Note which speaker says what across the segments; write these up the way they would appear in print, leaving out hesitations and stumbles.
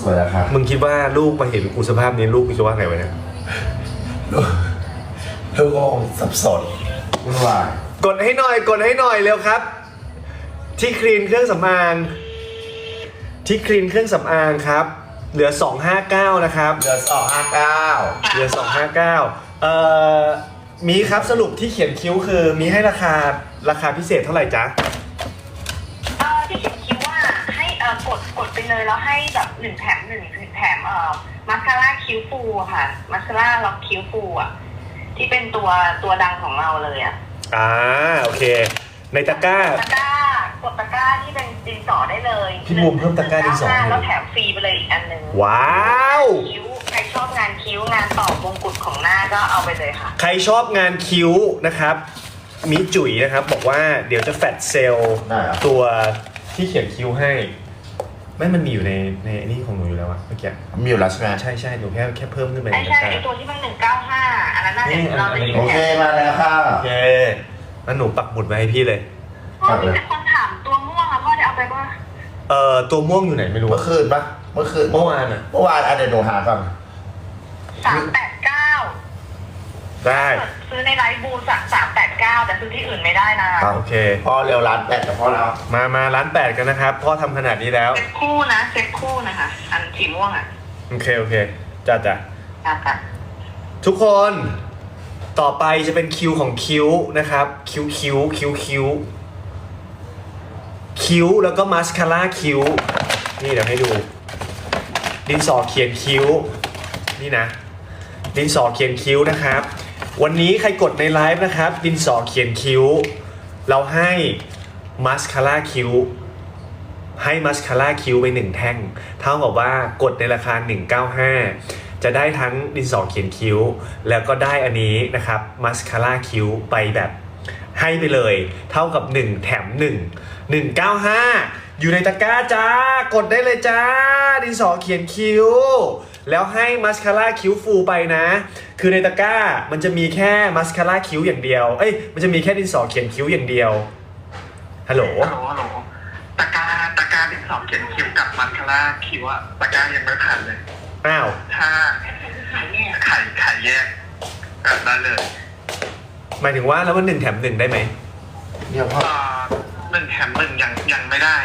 Speaker 1: วยแล้วครับ
Speaker 2: มึงคิดว่าลูกมาเห็นกูสภาพนี้ลูกกูจะว่าไงวะเนี่ย
Speaker 1: ลูกก็สับสนวุ่นวาย
Speaker 2: กดให้หน่อยกดให้หน่อยเร็วครับที่คลีนเครื่องสำอางที่คลีนเครื่องสำอางครับเหลือ259นะครับ
Speaker 1: เหลือ259
Speaker 2: เหลือ259มีครับสรุปที่เขียนคิ้วคือมีให้ราคาพิเศษเท่าไหร่จ๊ะ
Speaker 3: ที่เขียนคิ้วว่าให้กดไปเลยแล้วให้แบบ1 แถม 1แถมมาสคาร่าคิ้วฟูค่ะมาสคาร่าล็อกคิ้วฟูที่เป็นตัวดังของเราเลย
Speaker 2: โอเคในตะกร้าก
Speaker 3: ดตะกร้าที่เป็นดินสอได้เลย
Speaker 2: พี่บูมเพิ่มตะกร้าดินสอ
Speaker 3: แล้วแถมฟรีไปเลยอีกอันนึง
Speaker 2: ว้าว
Speaker 3: คิ้วใครชอบงานคิ้วงานต่อมงกุฎของหน้าก็เอาไปเลยค่ะ
Speaker 2: ใครชอบงานคิ้วนะครับมิจุ๋ยนะครับบอกว่าเดี๋ยวจะแฟตเซลตัวที่เขียนคิ้วให้ไม่มันมีอยู่ในนี่ของหนูอยู่แล้วอะเมื่อกี้
Speaker 1: มีอยู่แล้วใช่ไหม
Speaker 2: ใช่หนูแค่เพิ่มขึ้นไป
Speaker 3: ใช่ตัวที่มัน195อันนั้นน่าจะเราได้ยิน
Speaker 1: โอเคมาแล้วค่ะ
Speaker 2: โอเคแล้วหนูปักหมุดไว้ให้พี่เลย
Speaker 3: พ่อมีแต่คนถามตัวม่วงพ่อจะเอาไปป่ะ
Speaker 2: ตัวม่วงอยู่ไหนไม่รู้
Speaker 1: เมื่อคืนปะเมื่อวานเดี๋ยวหนูหาก่อน
Speaker 3: 389
Speaker 2: ได้
Speaker 3: ซื้อในไลฟ์บูสั่ง389แต่ซื้อที่อื่นไม่ได้นะ
Speaker 2: โอเค
Speaker 1: พ่อเร็วร้าน8กับพ่อแล้ว
Speaker 2: มาร้าน8กันนะครับพ่อทำขนาดนี้แล้ว
Speaker 3: เซ็ตคู่นะคะอันสีม่วง
Speaker 2: โอเคจ้ะทุกคนต่อไปจะเป็นคิวของคิ้วนะครับคิ้วแล้วก็มาสคาร่าคิ้วนี่เดี๋ยวให้ดูดินสอเขียนคิ้วนี่นะดินสอเขียนคิ้วนะครับวันนี้ใครกดในไลฟ์นะครับดินสอเขียนคิ้วเราให้มาสคาร่าคิ้วไป1แท่งเท่ากับว่ากดในราคา195จะได้ทั้งดินสอเขียนคิ้วแล้วก็ได้อันนี้นะครับมาสคาร่าคิ้วไปแบบให้ไปเลยเท่ากับ1แถม195อยู่ในตะกร้าจ้ากดได้เลยจ้าดินสอเขียนคิ้วแล้วให้มาสคาร่าคิ้วฟูไปนะคือในตะกร้ามันจะมีแค่มาสคาร่าคิ้วอย่างเดียวมันจะมีแค่ดินสอเขียนคิ้วอย่างเดียวฮัลโหล
Speaker 3: ตะกร้าดินสอเขียนคิ้วกับมาสคาร่าคิ้วตะกร้ายังไม่ผ่านเลย
Speaker 2: อ้าว
Speaker 3: ถ้าขายแยกได้เลย
Speaker 2: หมายถึงว่าแล้วมัน1แถม1ได้ไหม
Speaker 1: เดี๋ยวพ่อ
Speaker 3: 1 แถม 1ยังไม่ได้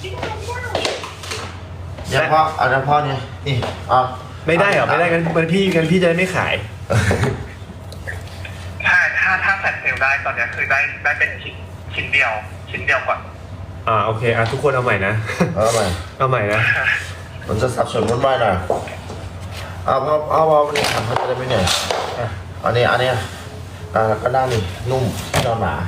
Speaker 1: เดี๋ยวพ่อเอาน้ำพ่อเนี่ยนี่
Speaker 2: ไม่ได้เหรอไม่ได้งั้นพี่จะไม่ขาย
Speaker 3: ถ้าแฟลชเซลได้ตอนนี้คือได้เป็นชิ้นเดียวก่อน
Speaker 2: โอเคทุกคนเอาใหม่นะ
Speaker 1: เอาใหม่
Speaker 2: นะ
Speaker 1: มันจะสับสนวุ่นวายหน่อยเอาวันนี้ทำเขาจะได้ไม่เหนื่อยอันนี้แล้วก็นั่งนี่นุ่มที่นอนหมา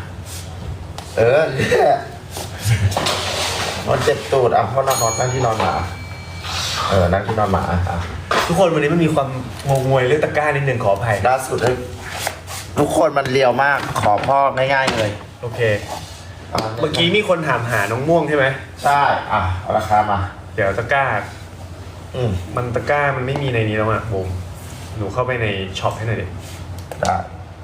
Speaker 1: มันเจ็บตูดพ่อนอนนั่งที่นอนหมานั่งที่นอนหมา
Speaker 2: ทุกคนวันนี้มันมีความงวยเรื่องตะกร้านิดนึงขออภัย
Speaker 1: ล่าสุดทุกคนมันเลียวมากขอพ่อง่ายๆเลย
Speaker 2: โอเคเมื่อกี้มีคนถามหาน้องม่วงใช่ไหม
Speaker 1: ใช่เอาราคามา
Speaker 2: เดี๋ยวตะกร้ามันตะกร้ามันไม่มีในนี้แล้วบูมหนูเข้าไปในช็อปให้หน่อยดิ
Speaker 1: ได้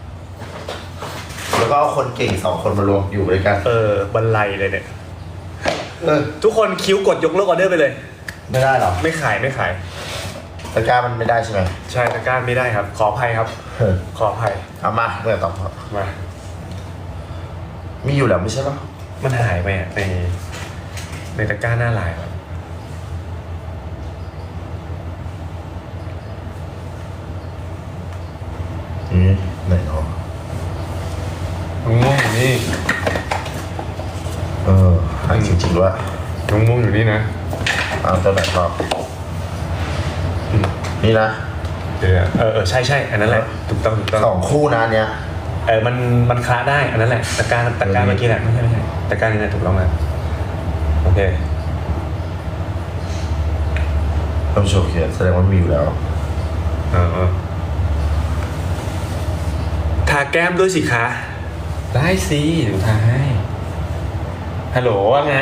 Speaker 1: แล้วก็เอาคนเก่ง2คนมารวมอยู่ด้วยกัน
Speaker 2: บรรลัยเลยเนี่ยทุกคนคิ้วกดยกเลิกออเดอร์ไปเลย
Speaker 1: ไม่ได้หรอ
Speaker 2: ไม่ขาย
Speaker 1: ตะกร้ามันไม่ได้ใช่ไหม
Speaker 2: ใช่ตะกร้าไม่ได้ครับขออภัยครับขออภัย
Speaker 1: เอามาเมื่อต่อ
Speaker 2: มา
Speaker 1: มีอยู่แล้วไม่ใช่หรอ
Speaker 2: มันหายไปในตะกร้าหน้าลายครับ
Speaker 1: ไหนเนาะ
Speaker 2: น้องม่วงอยู่นี่
Speaker 1: หายจริงๆด้วย
Speaker 2: น้องม่วงอยู่นี่นะ
Speaker 1: ตัวไหนครับนี่นะ
Speaker 2: เดี๋ยวใช่อันนั้นแหละถูกต้อง
Speaker 1: 2คู่นะเนี้ย
Speaker 2: มันคล้าได้อันนั้นแหละตะกร้าเมื่อกี้แหละไม่ใช่ตะกร้านี่แหละถูกต้องแล้วโอเค
Speaker 1: ต้องโชว์เขียนแสดงว่ามีอยู่แล้ว
Speaker 2: ทาแก้มด้วยสิคะได้สิเดี๋ยวทาให้ฮัลโหลว่าไง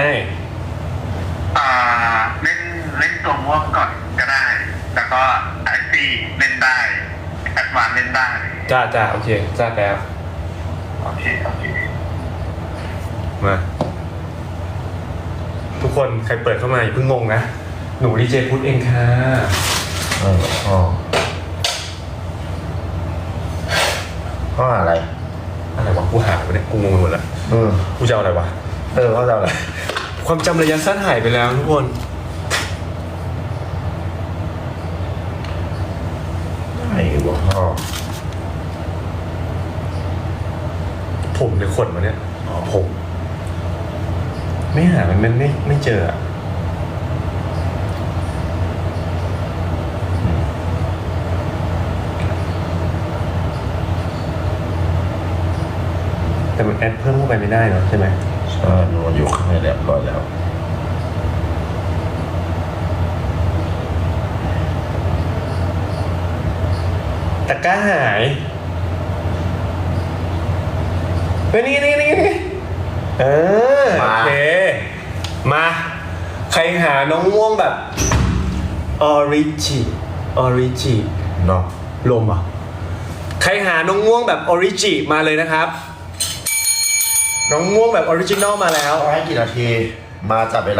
Speaker 3: เล่นตัวม่วงก่อนก็ได้แล้วก็ไอซีเล่นได้แอดวานเล่นได้
Speaker 2: จ้าโอเคจ้าแล้ว
Speaker 3: โอเค
Speaker 2: มาทุกคนใครเปิดเข้ามาอย่าเพิ่งงงนะหนูดีเจพุทธเองค่ะ
Speaker 1: อ๋อข้ออะไร
Speaker 2: อะไรวะกูหายไปเนี่ยกูงงไปหมดแล้ว
Speaker 1: อืม
Speaker 2: กูจะเอาอะไรวะ
Speaker 1: เขาจะอะไร
Speaker 2: ความจำระยะสั้นหายไปแล้วทุกคน
Speaker 1: ไอ้หัวข้อ
Speaker 2: ผมในขนมาเนี่ยอ๋อผมไม่หามันไม่เจออะแต่มันแอดเพิ่มเข้าไปไม่ได้เนอะใช่ไหม
Speaker 1: ใช่มันอยู่ข้างในเรียบร้อยแล้ว
Speaker 2: ตะกร้าหายเฮ้ยนี่โอเค มา ใครหาน้องม่วงแบบออริจิ
Speaker 1: เนาะ
Speaker 2: ลมอ่ะ ใครหาน้องม่วงแบบออริจิมาเลยนะครับ น้องม่วงแบบออริจินอลมาแล้ว
Speaker 1: ให้กี่นาที มาจับเวลา